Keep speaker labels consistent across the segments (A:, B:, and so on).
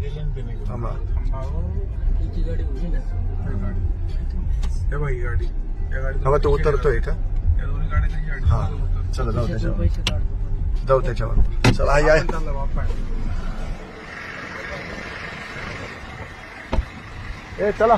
A: थांबा.
B: तुझी गाडी होती ना.
A: हे बाई गाडी, या गाडी
C: हवा तो उतरतोय का?
A: या दोन्ही गाड्यांची गाडी
C: हा चला जाऊ त्याच्यावर,
B: पैसे काढतो.
C: जाऊ त्याच्यावर. चला या
A: चालला बाप्पा.
C: ए चला.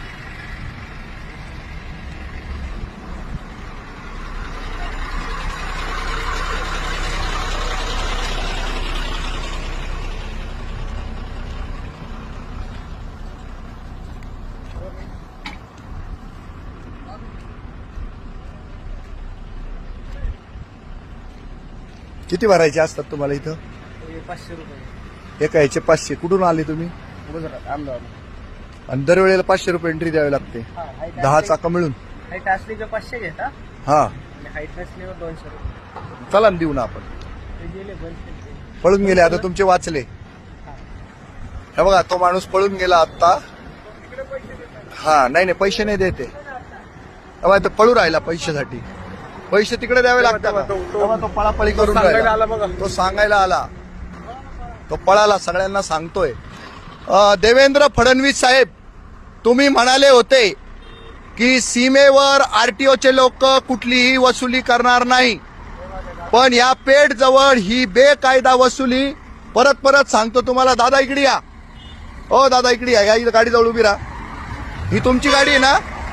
C: किती भरायचे असतात तुम्हाला इथं?
B: 500 रुपये.
C: एका ह्याचे 500. कुठून आले तुम्ही?
B: गुजरात अहमदाबाद.
C: आणि दरवेळेला 500 रुपये एंट्री द्यावी लागते. 10 चाका मिळून.
B: हाईट असली का 500 घेता
C: हा
B: आणि हाईट नसल्यावर 200 रुपये.
C: चला ना देऊ ना आपण.
B: ते गेले बंद.
C: पळून गेले आता तुमचे वाचले. हे बघा तो माणूस पळून गेला आता. हा नाही पैसे नाही देते. तो पळू राहिला पैशासाठी. पैसे तिकडे द्यावे लागतात. तो पळापळी करून राहिला. तो सांगायला आला. तो पळाला. सगळ्यांना सांगतोय. देवेंद्र फडणवीस साहेब, तुम्ही म्हणाले होते की सीमेवर आरटीओचे लोक कुठलीही वसुली करणार नाही, पण या पेठ जवळ ही बेकायदा वसुली. परत परत सांगतो तुम्हाला. दादा इकडे या. ओ दादा इकडे या. या गाडी जवळ उभी राहा. ही तुमची गाडी आहे ना?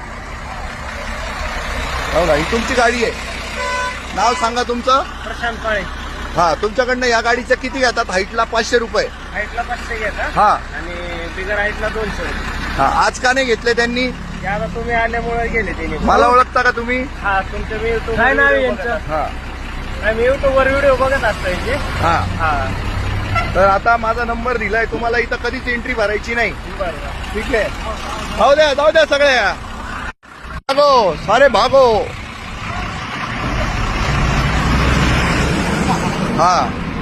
C: हो ना, ही तुमची गाडी आहे. नाव सांगा तुमचं?
B: प्रशांत काळे.
C: हा तुमच्याकडनं या गाडीचं किती घेतात? हाईटला 500 रुपये.
B: हाईटला 500 घेता
C: हा
B: आणि बिगर हाईटला 200 रुपये.
C: हा आज का नाही घेतले त्यांनी?
B: ते आता तुम्ही आल्यामुळे गेले त्यांनी.
C: मला ओळखता का तुम्ही?
B: हा तुमचं मी युट्यूब काय नाव यांचं?
C: हा
B: मी युट्यूब वर व्हिडिओ बघत असतो यांचे.
C: हा
B: हा
C: तर आता माझा नंबर दिलाय तुम्हाला. इथं कधीच एंट्री भरायची नाही.
B: बरं.
C: ठीक आहे. जाऊ द्या सगळे. भागो सारे भागो. हा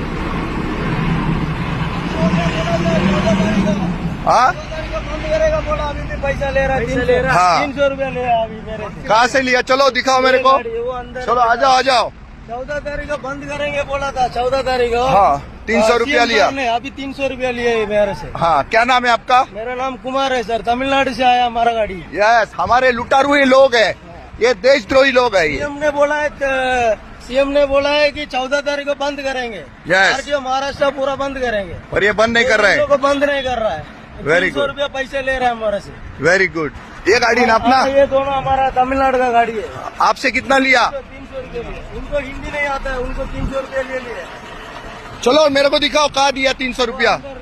C: हाँ
B: बंद करेगा बोला. अभी भी पैसा ले रहा है. 300 रुपया ले अभी मेरे से.
C: कहाँ से लिया? चलो दिखाओ मेरे को.
B: वो अंदर.
C: चलो आ जाओ.
B: 14 तारीख को बंद करेंगे बोला था. 14 तारीख को.
C: हाँ 300 रुपया लिया.
B: अभी 300 रुपया लिए मेरे से.
C: हाँ क्या नाम है आपका?
B: मेरा नाम कुमार है सर. तमिलनाडु से आया हमारा गाड़ी.
C: यस हमारे लुटारू ही लोग हैं. ये देशद्रोही लोग हैं.
B: सीएम ने बोला है कि 14 तारीख को बंद करेंगे.
C: Yes.
B: आरटीओ महाराष्ट्र पूरा बंद करेंगे.
C: और ये बंद नहीं कर रहे हैं.
B: को बंद नहीं कर रहा है.
C: Very
B: 300
C: good.
B: रुपया पैसे ले रहे हैं हमारे से.
C: Very good. ये गाड़ी ना अपना?
B: हाँ, ये दोनों हमारा तमिलनाडु का गाड़ी है.
C: आपसे कितना लिया?
B: 300 रुपये लिए. उनको हिंदी नहीं आता है. उनको 300 रुपये ले लिए.
C: चलो मेरे को दिखाओ कहाँ दिया 300 रुपया.